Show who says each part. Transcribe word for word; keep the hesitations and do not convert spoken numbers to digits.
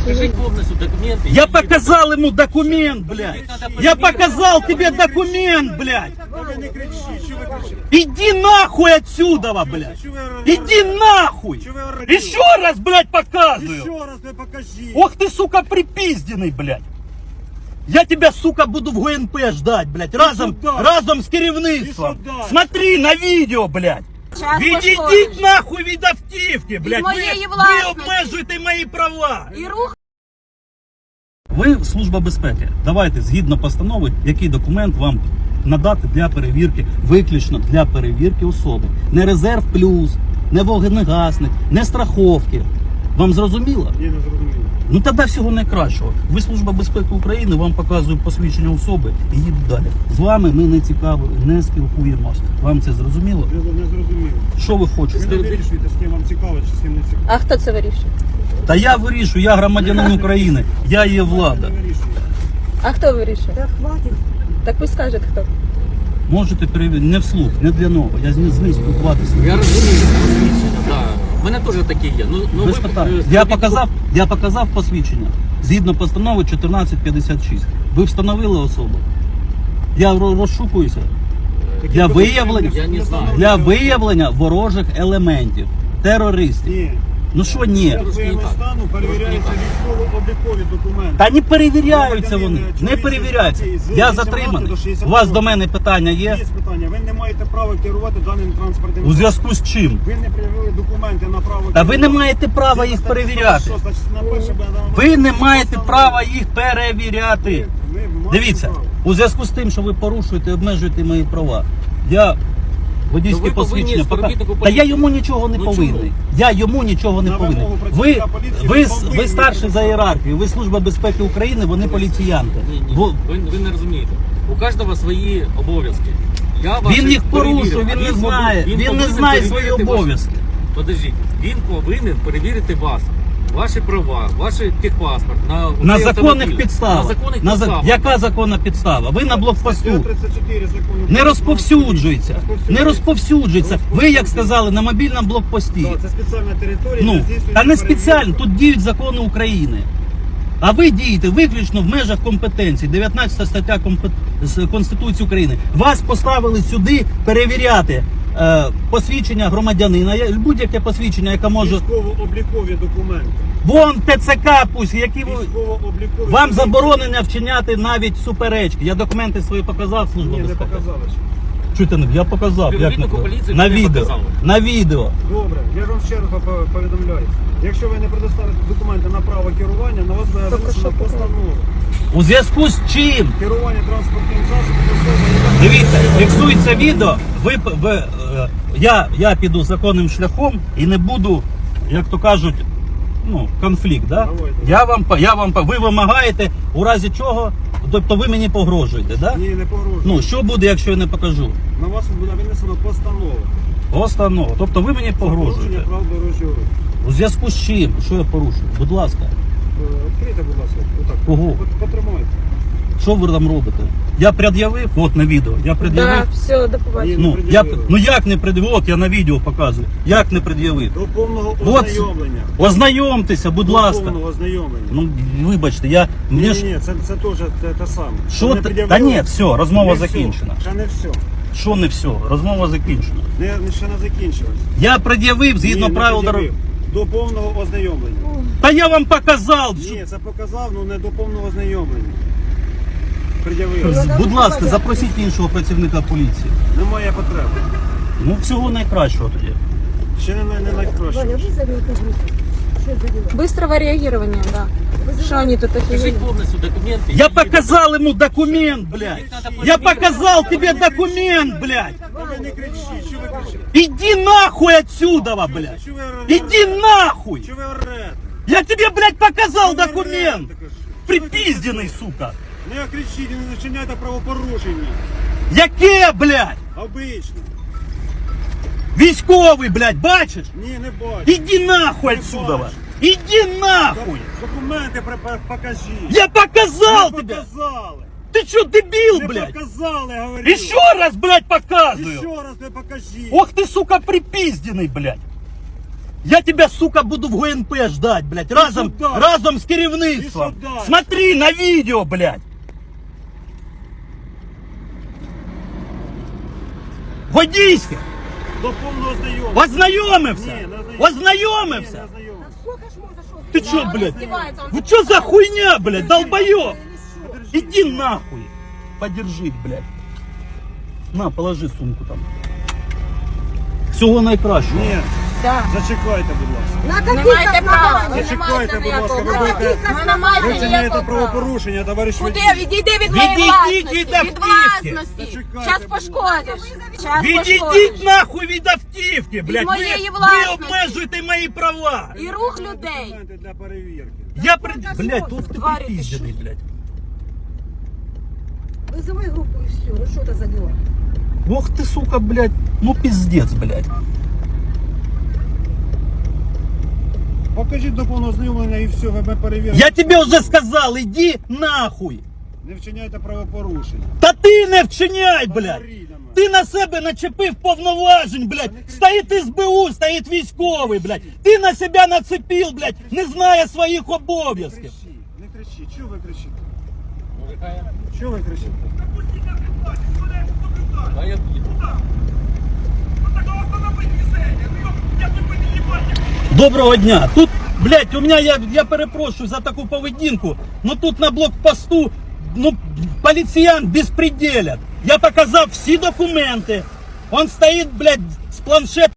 Speaker 1: Покажи полностью документы.
Speaker 2: Я показал ему документ, блядь. Я показал тебе документ, блядь. Иди нахуй отсюда, блядь. Иди нахуй. Еще раз, блядь, показываю.
Speaker 3: Еще раз мне покажи.
Speaker 2: Ох ты, сука, припизденный, блядь. Я тебя, сука, буду в ГНП ждать, блядь. Разом, разом с керівництвом. Смотри на видео, блядь. Відійдіть нахуй від автівки, блядь. Ви, ви обмежуєте мої права.
Speaker 4: І рух.
Speaker 2: Ви служба безпеки. Давайте, згідно постанови, який документ вам надати для перевірки, виключно для перевірки особи. Не резерв плюс, не вогнегасник, не страховки. Вам зрозуміло?
Speaker 3: Ні, не зрозуміло.
Speaker 2: Ну тоді всього найкращого. Ви служба безпеки України, вам показують посвідчення особи і їдуть далі. З вами ми не цікаві, не спілкуємося. Вам це зрозуміло?
Speaker 3: Не, не зрозуміло.
Speaker 2: Що ви
Speaker 3: Ви
Speaker 2: хочете?
Speaker 3: не вирішуєте, з ким вам цікаво, чи з ким не цікаво.
Speaker 4: А хто це вирішує?
Speaker 2: Та я вирішую, я громадянин України, я є влада.
Speaker 3: Не вирішуєте.
Speaker 4: А хто вирішує? Так, хватить. Так ви скажете, хто?
Speaker 2: Можете перевірити, не вслух, не для нового. Я з ним спілкуватися.
Speaker 1: Я розумію, посвідчення, да. У мене теж такі є. Ну, ну,
Speaker 2: Без
Speaker 1: ви,
Speaker 2: питань.
Speaker 1: е,
Speaker 2: Я
Speaker 1: скажіть,
Speaker 2: показав, я показав посвідчення. Згідно постанови чотирнадцять п'ятдесят шість. Ви встановили особу? Я ро- розшукуюся. Для виявлення,
Speaker 1: Я не знаю.
Speaker 2: для виявлення ворожих елементів, терористів.
Speaker 3: Ні.
Speaker 2: Ну що ні?
Speaker 3: Для воєнного стану перевіряються військово-облікові документи.
Speaker 2: Та не перевіряються вони, не перевіряються. Я затриманий. У вас до мене питання є?
Speaker 3: Є питання. Ви не маєте права керувати даним транспортним
Speaker 2: У зв'язку з чим?
Speaker 3: Ви не пред'явили документи на право
Speaker 2: Та ви не
Speaker 3: керувати.
Speaker 2: маєте права їх
Speaker 3: Це
Speaker 2: перевіряти.
Speaker 3: що, значить, на перше би нам-
Speaker 2: Ви не маєте права їх перевіряти.
Speaker 3: Ви- ви маєте
Speaker 2: Дивіться,
Speaker 3: право.
Speaker 2: у зв'язку з тим, що ви порушуєте, обмежуєте мої права. Я водійське
Speaker 1: Ну, ви повинні
Speaker 2: посвідчення пока...
Speaker 1: співробітнику
Speaker 2: Та я
Speaker 1: поліції.
Speaker 2: йому нічого не
Speaker 1: Ну,
Speaker 2: повинний.
Speaker 1: чому?
Speaker 2: Я йому нічого не
Speaker 3: На
Speaker 2: повинен.
Speaker 3: вимогу
Speaker 2: Ви,
Speaker 3: працівника поліції
Speaker 2: ви,
Speaker 3: ви повинні
Speaker 2: ви старші за
Speaker 3: працювати.
Speaker 2: ієрархію, ви Служба безпеки України, вони поліціянти.
Speaker 1: Ні, ні,
Speaker 2: Бо
Speaker 1: ви, ви не розумієте. У кожного свої обов'язки. Я ваші
Speaker 2: він їх порушує,
Speaker 1: перевірив,
Speaker 2: він
Speaker 1: а
Speaker 2: не
Speaker 1: повинен-
Speaker 2: знає, він не
Speaker 1: повинен
Speaker 2: знає свої
Speaker 1: перевірити ваші-
Speaker 2: обов'язки.
Speaker 1: Подождіть, він повинен перевірити вас. Ваші права, ваш техпаспорт на,
Speaker 2: На
Speaker 1: цей
Speaker 2: законних
Speaker 1: автомобіль.
Speaker 2: підставах.
Speaker 1: На законних
Speaker 2: На за-
Speaker 1: підставах.
Speaker 2: Яка законна підстава? Ви на блокпосту.
Speaker 3: тридцять чотири закону.
Speaker 2: Не розповсюджується. Не розповсюджується. Ви, як сказали, на мобільному блокпості.
Speaker 3: Так, це спеціальна територія.
Speaker 2: Ну,
Speaker 3: де здійснюється
Speaker 2: та не
Speaker 3: перевірка.
Speaker 2: спеціально, тут діють закони України. А ви дієте виключно в межах компетенції. дев'ятнадцята стаття компет... з Конституції України. Вас поставили сюди перевіряти е, посвідчення громадянина, я- будь-яке посвідчення, яке може...
Speaker 3: Військово-облікові документи.
Speaker 2: Вон ТЦК пусть, які ви...
Speaker 3: Військово-облікові
Speaker 2: Вам
Speaker 3: документи.
Speaker 2: заборонено вчиняти навіть суперечки. Я документи свої показав, Служба
Speaker 3: Ні, не
Speaker 2: безпеки.
Speaker 3: показали ще.
Speaker 2: Чуєте, не- я показав. Як не
Speaker 1: Співробітнику
Speaker 2: показав?
Speaker 1: поліції
Speaker 2: На
Speaker 1: ви не
Speaker 2: відео.
Speaker 1: показали.
Speaker 2: На відео.
Speaker 3: Добре, я ж вам ще раз по- повідомляю. Якщо ви не предоставите документи на право керування, на вас буде винесена постанова.
Speaker 2: У зв'язку з чим?
Speaker 3: Керування транспортним засобом особи, яка...
Speaker 2: Дивіться, фіксується відео, ви, ви, е, я, я піду законним шляхом і не буду, як то кажуть, ну, конфлікт. Да?
Speaker 3: Давайте.
Speaker 2: Я вам, по- я вам, по- ви вимагаєте, у разі чого, тобто ви мені погрожуєте, да?
Speaker 3: Ні, не погрожує.
Speaker 2: Ну, що буде, якщо я не покажу?
Speaker 3: На вас буде винесена постанова.
Speaker 2: Постанова. Тобто ви мені
Speaker 3: За порушення
Speaker 2: погрожуєте.
Speaker 3: прав дорожнього руху.
Speaker 2: У зв'язку з чим? Що я порушую? Будь ласка,
Speaker 3: Е, Відкрийте, будь ласка, отак.
Speaker 2: Кого?
Speaker 3: Пот- Потримайте.
Speaker 2: що ви там робите? Я пред'явив, от на відео, я пред'явив.
Speaker 4: Так, все, до побачення.
Speaker 3: Ні.
Speaker 2: Ну,
Speaker 3: не
Speaker 2: я,
Speaker 3: пред'явили.
Speaker 2: ну як не пред'явив? От я на відео показую. Як не пред'явив?
Speaker 3: До повного
Speaker 2: От,
Speaker 3: ознайомлення.
Speaker 2: ознайомтеся, будь
Speaker 3: До
Speaker 2: ласка.
Speaker 3: повного ознайомлення.
Speaker 2: Ну, вибачте, я...
Speaker 3: Ні,
Speaker 2: Мені
Speaker 3: ні,
Speaker 2: ж...
Speaker 3: ні, це, це теж те, те саме.
Speaker 2: Що
Speaker 3: Не
Speaker 2: ти-
Speaker 3: пред'явили?
Speaker 2: Та ні, все, розмова
Speaker 3: Не
Speaker 2: закінчена.
Speaker 3: Все. Ще не все.
Speaker 2: Що не все? Розмова закінчена.
Speaker 3: Не, не- ще не закінчилось.
Speaker 2: Я пред'явив згідно
Speaker 3: Ні, не
Speaker 2: правил
Speaker 3: пред'явив.
Speaker 2: дороги.
Speaker 3: До повного ознайомлення.
Speaker 2: Та я вам показав. що-
Speaker 3: Ні, це показав, ну не до повного ознайомлення. Пред'явив.
Speaker 2: Будь ласка, запросіть іншого працівника поліції.
Speaker 3: Немає потреби.
Speaker 2: Ну, всього найкращого тоді.
Speaker 3: Ще не, не найкраще.
Speaker 4: Быстрого реагирования, да. Что они тут
Speaker 1: Покажи
Speaker 4: такие?
Speaker 1: повністю документи.
Speaker 2: Я показал ему документ, блядь. Я показал тебе документ, блядь.
Speaker 3: Ви не кричіть, що ви кричите?
Speaker 2: Иди нахуй отсюда, блядь.
Speaker 3: Що ви орете?
Speaker 2: Иди нахуй.
Speaker 3: Що ви орете?
Speaker 2: Я тебе, блядь, показал
Speaker 3: Що ви
Speaker 2: документ.
Speaker 3: орете, кажу?
Speaker 2: Припизденный, сука.
Speaker 3: Не кричіть, не начиняйте правопорушення.
Speaker 2: Яке, блядь?
Speaker 3: Обично.
Speaker 2: Військовий, блядь, бачиш?
Speaker 3: Ні, не бачу.
Speaker 2: Иди нахуй отсюда. Иди нахуй.
Speaker 3: Документи при- покажіть.
Speaker 2: Я показал
Speaker 3: Не
Speaker 2: тебе.
Speaker 3: показали.
Speaker 2: Ты что, дебил,
Speaker 3: Не
Speaker 2: блядь?
Speaker 3: показали, говорю.
Speaker 2: Еще раз, блядь, показываю.
Speaker 3: Еще раз не покажіть.
Speaker 2: Ох ты, сука, припизденный, блядь. Я тебя, сука, буду в ГУНП ждать, блядь, разом,
Speaker 3: сюда.
Speaker 2: разом с керівництвом.
Speaker 3: Иди сюда.
Speaker 2: Смотри на видео, блядь. Водійське.
Speaker 3: До повного знайомства.
Speaker 2: Ознайомився.
Speaker 3: Ні, не ознайомився.
Speaker 2: Ознайомився.
Speaker 3: Ні, не ознайомився.
Speaker 4: Сколько ж можно, что?
Speaker 2: Ты чё,
Speaker 4: Он
Speaker 2: блядь?
Speaker 4: издевается, он
Speaker 2: Вы чё за хуйня, блядь, долбоёб?
Speaker 3: Подержи.
Speaker 2: Иди нахуй. Подержи, блядь. На, положи сумку там. Всього найкращого.
Speaker 3: Ні,
Speaker 4: Да.
Speaker 3: зачекайте, будь ласка.
Speaker 4: На
Speaker 5: Не
Speaker 4: каких
Speaker 5: маєте права.
Speaker 4: основаниях?
Speaker 5: Ви не
Speaker 3: Зачекайте,
Speaker 5: маєте
Speaker 3: будь ласка,
Speaker 5: ніякого
Speaker 3: ви
Speaker 5: права.
Speaker 3: будете-
Speaker 5: Ви не маєте
Speaker 3: Ви вчиняєте
Speaker 5: ніякого права.
Speaker 3: правопорушення, товариш
Speaker 5: Куди?
Speaker 3: водій.
Speaker 5: Відійди від моєї
Speaker 2: Відійдіть
Speaker 5: власності.
Speaker 2: від
Speaker 5: Від
Speaker 2: автівки.
Speaker 5: власності.
Speaker 3: Зачекайте,
Speaker 5: Зараз
Speaker 3: будь
Speaker 5: пошкодиш. Зараз
Speaker 2: Відійдіть
Speaker 5: пошкодиш.
Speaker 2: нахуй від автівки, блядь.
Speaker 5: моєї
Speaker 2: ви, ви
Speaker 5: власності.
Speaker 2: обмежуєте мої права.
Speaker 5: І рух людей.
Speaker 3: Документи для перевірки.
Speaker 2: Я при... Блядь, тут ти
Speaker 5: Тварі ти
Speaker 2: припіздений, блядь.
Speaker 4: Вызывай группу и все. Ну что это за дела?
Speaker 2: Ох ты, сука, блядь. Ну пиздец, блядь.
Speaker 3: Покажіть до повного знайомлення і все, ми перевіримо.
Speaker 2: Я тебе уже сказал, иди нахуй.
Speaker 3: Не вчиняйте правопорушення.
Speaker 2: Та ти не вчиняй, блядь.
Speaker 3: Говоріть на мене.
Speaker 2: Ти на себе начепив повноважень, блядь. Стоїть ес бе у, стоїть військовий, блядь. Ти на себе нацепив, блядь, не знає своїх
Speaker 3: Не
Speaker 2: обов'язків.
Speaker 3: кричіть, не кричіть. Чого ви кричите? Чого ви кричите?
Speaker 1: А я
Speaker 2: Доброго дня. Тут, блядь, у меня, я, я перепрошую за таку поведінку, но тут на блокпосту, ну, поліціян безпределят. Я показав всі документи. Он стоїть, блядь, з планшетом.